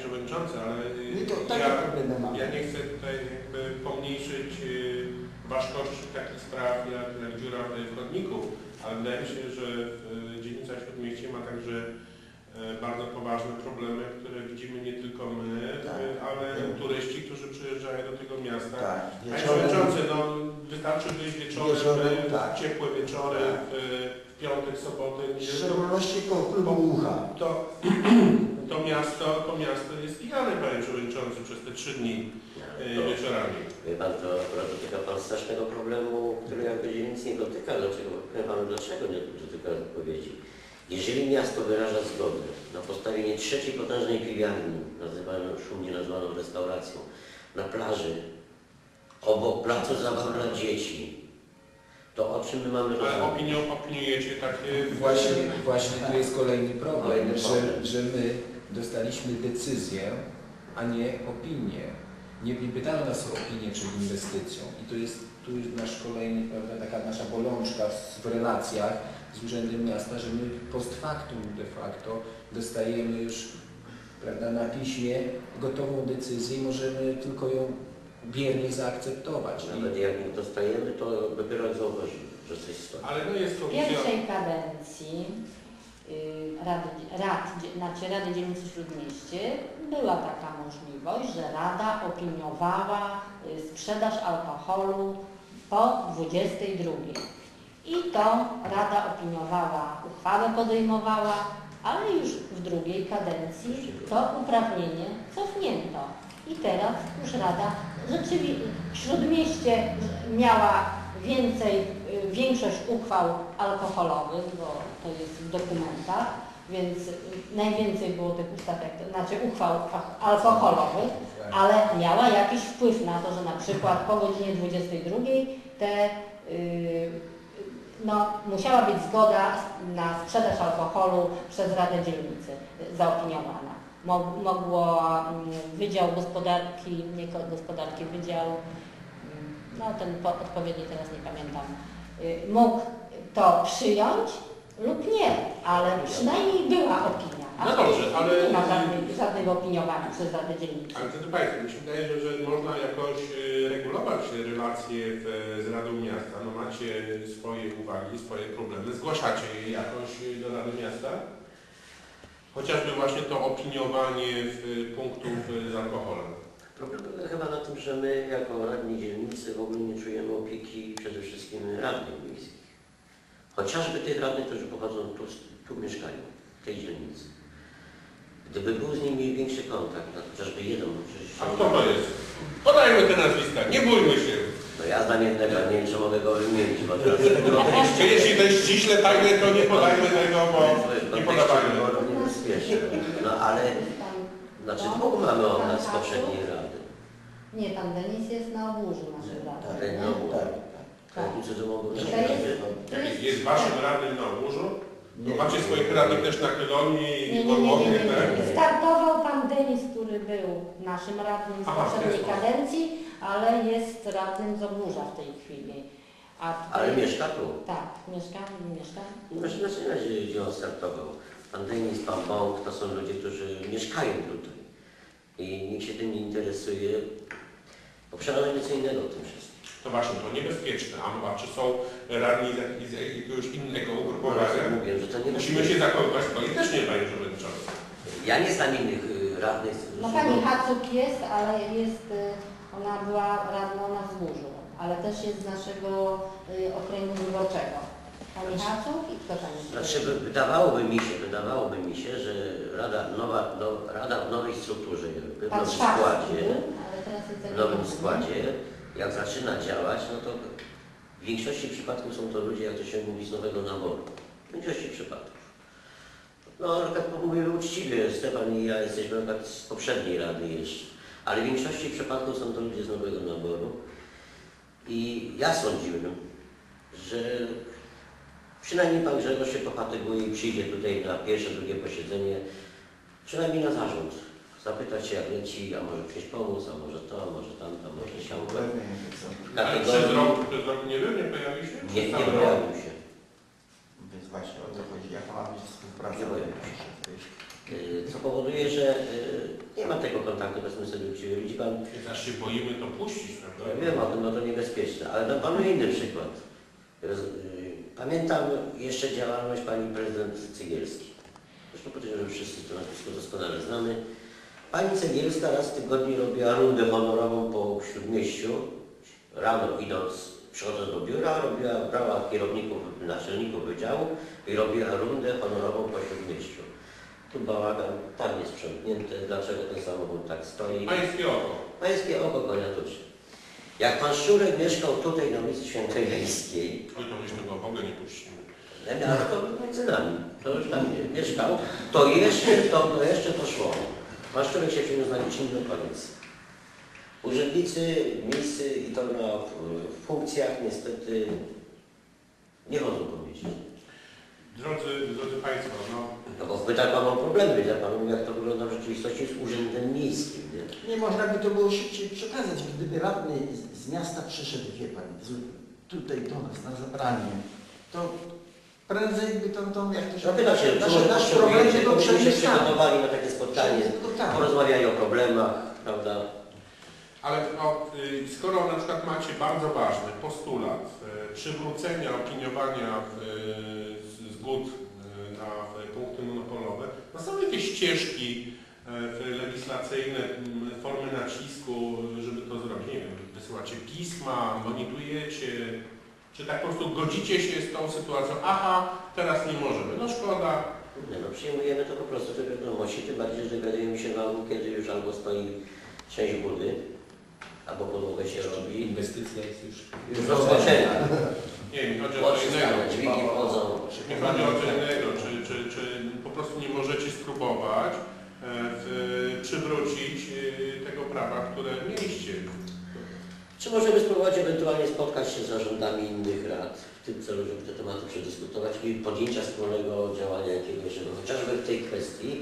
Przewodniczący, ale ja nie chcę tutaj jakby pomniejszyć ważkości takich spraw jak dziura w chodniku, ale wydaje mi się, że dzielnica Śródmieście ma także bardzo poważne problemy, które widzimy nie tylko my, ale turyści, którzy przyjeżdżają do tego miasta. Panie Przewodniczący, no wystarczy wyjść wieczorem, ciepłe wieczory, w piątek, soboty. W szczególności koło klubu Ucha. To miasto jest pijane, Panie Przewodniczący, przez te 3 dni wieczorami. Wie Pan, to dotyka Pan strasznego problemu, który jakby nic nie dotyka. Dlaczego nie dotyka odpowiedzi? Jeżeli miasto wyraża zgodę na postawienie 3. potężnej piwiarni, szumnie nazwaną restauracją, na plaży, obok placu zabaw dla dzieci, to o czym my mamy rozmawiać? Ale opiniujecie takie... Właśnie tu jest kolejny problem, że my dostaliśmy decyzję, a nie opinię. Nie pytano nas o opinię przed inwestycją i tu jest nasz kolejny, prawda, taka nasza bolączka w relacjach z Urzędem Miasta, że my post factum de facto dostajemy już, prawda, na piśmie gotową decyzję i możemy tylko ją biernie zaakceptować. Nawet jak nie dostajemy, to dopiero zauważymy, że coś stoi. Ale no jest w pierwszej kadencji Rady Dzielnicy Śródmieście była taka możliwość, że Rada opiniowała sprzedaż alkoholu po 22. I to Rada opiniowała, uchwałę podejmowała, ale już w drugiej kadencji to uprawnienie cofnięto. I teraz już Rada rzeczywiście w Śródmieście miała większość uchwał alkoholowych, bo to jest w dokumentach, więc najwięcej było tych uchwał alkoholowych, ale miała jakiś wpływ na to, że na przykład po godzinie 22 musiała być zgoda na sprzedaż alkoholu przez Radę Dzielnicy zaopiniowana. Wydział Gospodarki, Wydział, ten odpowiedni teraz nie pamiętam, mógł to przyjąć lub nie, ale przynajmniej była opinia. No dobrze, ale... Nie ma żadnego opiniowania przez Radę Dzielnicy. Ale to Państwo, mi się wydaje, że można jakoś regulować relacje z Radą Miasta. No macie swoje uwagi, swoje problemy, zgłaszacie je jakoś do Rady Miasta? Chociażby właśnie to opiniowanie punktów z alkoholem. Problem polega chyba na tym, że my jako radni dzielnicy w ogóle nie czujemy opieki przede wszystkim radnych miejskich. Chociażby tych radnych, którzy pochodzą tu mieszkają, w tej dzielnicy. Gdyby był z nimi większy kontakt, chociażby jeden... A kto to jest? Podajmy te nazwiska, nie bójmy się. No ja znam jednego, nie wiem, czy mogę go wymienić, bo teraz... Jeśli to jest ściśle tajne, to nie podajmy tego, bo nie podawajmy. No ale... Znaczy dwóch mamy od nas z poprzedniej rady. Nie, tam Denis jest na Obórzu naszej rady. Jest waszym radnym na Obórzu? Macie swoich radnych też na Chylonii i Nie. Startował pan Denis, który był naszym radnym z poprzedniej kadencji, ale jest radnym z Oburza w tej chwili. Ale mieszka tu? Tak, mieszka. Właśnie na razie, gdzie on startował. Pan Denis, pan Bąk, to są ludzie, którzy mieszkają tutaj. I nikt się tym nie interesuje. Bo przerażenie co innego w tym wszystkim. To właśnie, to niebezpieczne. A czy są radni z jakiegoś innego ugrupowania? Mówię, że to nie musimy się zachowywać politycznie, Panie Przewodniczący. Ja nie znam innych radnych. No pani Hacuk jest, ale ona była radną na Wzgórzu, ale też jest z naszego okręgu wyborczego. Pani Hacuk i kto tam jest? Znaczy wydawałoby mi się, że Rada w nowej strukturze, w nowym składzie, jak zaczyna działać, no to w większości przypadków są to ludzie, jak to się mówi, z nowego naboru. W większości przypadków. No, mówimy uczciwie, Stefan i ja jesteśmy z poprzedniej rady jeszcze, ale w większości przypadków są to ludzie z nowego naboru. I ja sądziłem, że przynajmniej pan Grzegorz się pofatyguje i przyjdzie tutaj na pierwsze, drugie posiedzenie, przynajmniej na zarząd. Zapytać się, jak leci, a może ktoś pomóc, a może to, a może tamto, a może siałko. Ale przez rok nie był, nie pojawił się? Nie pojawił się. Więc właśnie o to chodzi, jaka ma być współpraca. Co powoduje, że nie ma tego kontaktu, byśmy sobie uczciwi. Widzi pan, Jak aż się boimy to puścić, prawda? ja wiem o tym, no to niebezpieczne, ale dam panu inny przykład. Pamiętam jeszcze działalność pani prezydent Cegielskiej. Zresztą podejrzewam, że wszyscy to nazwisko doskonale znamy. Pani Cegielska raz w tygodniu robiła rundę honorową po Śródmieściu. Rano idąc, przychodząc do biura, brała kierowników, naczelników wydziału i robiła rundę honorową po Śródmieściu. Tu bałagan, tam jest sprzątnięte, dlaczego ten samochód tak stoi. Pańskie oko. Pańskie oko konia tuczy. Jak pan Szczurek mieszkał tutaj na ulicy Świętojańskiej, Oj, to myśmy go w ogóle nie puścimy. ale to między nami, to już tam mieszkał, to jeszcze poszło. Pan Szczurek się przyniósł na licznik do koniec. Urzędnicy miejscy i to na funkcjach niestety nie chodzą po mieście. Drodzy Państwo, No bo pyta pan o problemy, ja panu jak to wygląda w rzeczywistości z urzędem miejskim. Nie? Nie można by to było szybciej przekazać, gdyby radny z miasta przyszedł, wie pani, tutaj do nas na zebranie, to prędzej by to jak to się... Zapyta się, nasz problem by był się przemyślany. przygotowali na takie spotkanie, porozmawiali o problemach, prawda? ale skoro na przykład macie bardzo ważny postulat przywrócenia opiniowania zgód na punkty monopolowe, no są jakieś ścieżki legislacyjne, formy nacisku, żeby to zrobić? Nie wiem, wysyłacie pisma, monitorujecie, czy tak po prostu godzicie się z tą sytuacją? Aha, teraz nie możemy, no szkoda. Nie, no przyjmujemy to po prostu do wiadomości, tym bardziej, że dowiadujemy się wam, kiedy już albo stoi część budy, albo podłogę się robi. Inwestycja jest już rozpoczęta. Nie, mi chodzi o co innego. Dźwigi wchodzą. Mi chodzi o co innego, czy po prostu nie możecie spróbować przywrócić tego prawa, które mieliście? Czy możemy spróbować ewentualnie spotkać się z zarządami innych rad w tym celu, żeby te tematy przedyskutować i podjęcia wspólnego działania jakiegoś, żeby chociażby w tej kwestii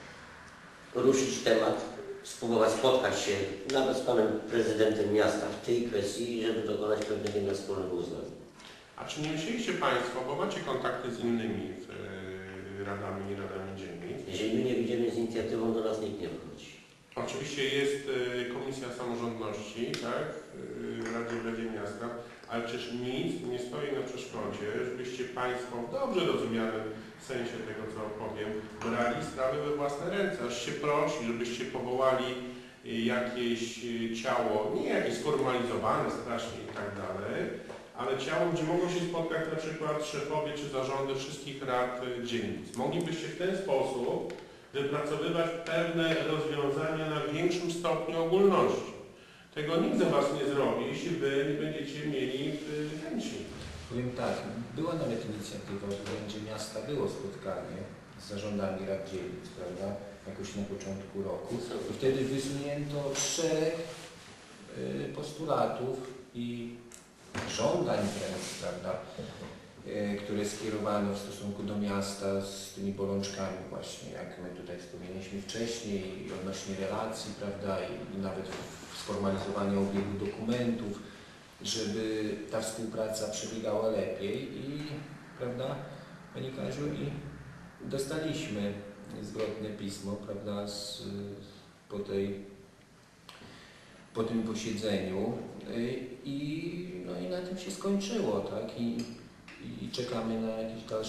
ruszyć temat, spróbować spotkać się nawet z panem prezydentem miasta w tej kwestii, żeby dokonać pewnego wspólnego uznania. A czy nie myśleliście Państwo, bo macie kontakty z innymi radami i radami dzielnic? Jeżeli my nie wyjdziemy z inicjatywą, do nas nikt nie wychodzi. Oczywiście jest Komisja Samorządności, tak, w Radzie Miasta, ale przecież nic nie stoi na przeszkodzie, żebyście Państwo w dobrze rozumianym sensie tego, co opowiem, brali sprawy we własne ręce, aż się prosi, żebyście powołali jakieś ciało, nie jakieś sformalizowane strasznie i tak dalej, ale ciało, gdzie mogą się spotkać na przykład szefowie czy zarządy wszystkich rad dzielnic. Moglibyście w ten sposób wypracowywać pewne rozwiązania na większym stopniu ogólności. Tego nikt za Was nie zrobi, jeśli Wy nie będziecie mieli chęci. Powiem tak, była nawet inicjatywa w Urzędzie Miasta, było spotkanie z zarządami rad dzielnic, prawda, jakoś na początku roku. I wtedy wysunięto szereg postulatów i żądań wręcz, prawda, które skierowano w stosunku do miasta z tymi bolączkami właśnie, jak my tutaj wspomnieliśmy wcześniej, i odnośnie relacji, prawda, i nawet sformalizowania obiegu dokumentów, żeby ta współpraca przebiegała lepiej i, prawda, Pani Kaziu, i dostaliśmy zwrotne pismo, prawda, po tym posiedzeniu i na tym się skończyło, tak, i czekamy na jakieś dalsze